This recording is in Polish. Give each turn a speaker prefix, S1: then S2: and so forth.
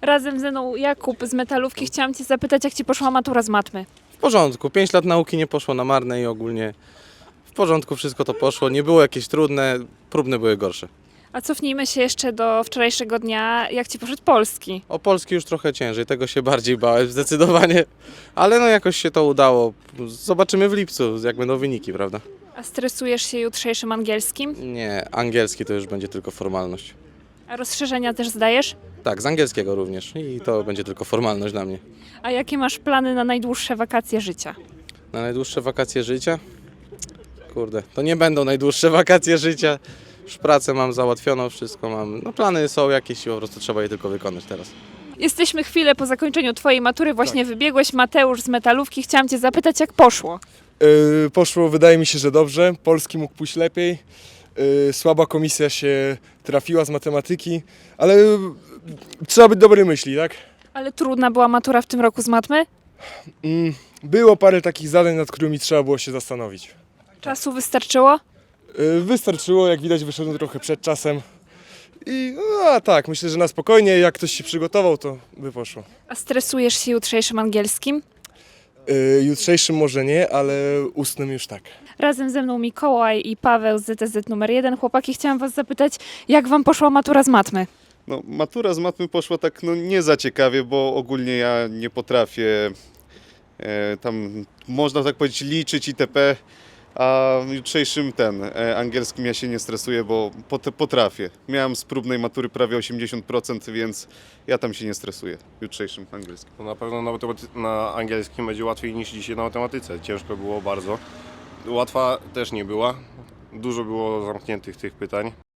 S1: Razem ze mną Jakub z Metalówki. Chciałam Cię zapytać, jak Ci poszła matura z matmy?
S2: W porządku, 5 lat nauki nie poszło na marne i ogólnie w porządku wszystko to poszło. Nie było jakieś trudne, próbne były gorsze.
S1: A cofnijmy się jeszcze do wczorajszego dnia. Jak Ci poszedł polski?
S2: O polski już trochę ciężej, tego się bardziej bałem zdecydowanie, ale no jakoś się to udało. Zobaczymy w lipcu, jak będą wyniki, prawda?
S1: A stresujesz się jutrzejszym angielskim?
S2: Nie, angielski to już będzie tylko formalność.
S1: A rozszerzenia też zdajesz?
S2: Tak, z angielskiego również i to będzie tylko formalność dla mnie.
S1: A jakie masz plany na najdłuższe wakacje życia?
S2: Na najdłuższe wakacje życia? Kurde, to nie będą najdłuższe wakacje życia. Już pracę mam załatwioną, wszystko mam. No plany są jakieś i po prostu trzeba je tylko wykonać teraz.
S1: Jesteśmy chwilę po zakończeniu Twojej matury, właśnie wybiegłeś. Mateusz z Metalówki. Chciałam Cię zapytać, jak poszło?
S3: Poszło, wydaje mi się, że dobrze. Polski mógł pójść lepiej. Słaba komisja się trafiła z matematyki, ale trzeba być dobrej myśli, tak?
S1: Ale trudna była matura w tym roku z matmy?
S3: Było parę takich zadań, nad którymi trzeba było się zastanowić.
S1: Czasu wystarczyło?
S3: Wystarczyło, jak widać, wyszedłem trochę przed czasem. I tak, myślę, że na spokojnie, jak ktoś się przygotował, to by poszło.
S1: A stresujesz się jutrzejszym angielskim?
S3: Jutrzejszym może nie, ale ustnym już tak.
S1: Razem ze mną Mikołaj i Paweł z ZTZ numer 1. Chłopaki, chciałam Was zapytać, jak Wam poszła matura z matmy?
S4: No, matura z matmy poszła tak nie za ciekawie, bo ogólnie ja nie potrafię tam, można tak powiedzieć, liczyć itp. A jutrzejszym angielskim ja się nie stresuję, bo potrafię. Miałem z próbnej matury prawie 80%, więc ja tam się nie stresuję jutrzejszym angielskim.
S5: No na pewno na angielskim będzie łatwiej niż dzisiaj na matematyce. Ciężko było bardzo. Łatwa też nie była. Dużo było zamkniętych tych pytań.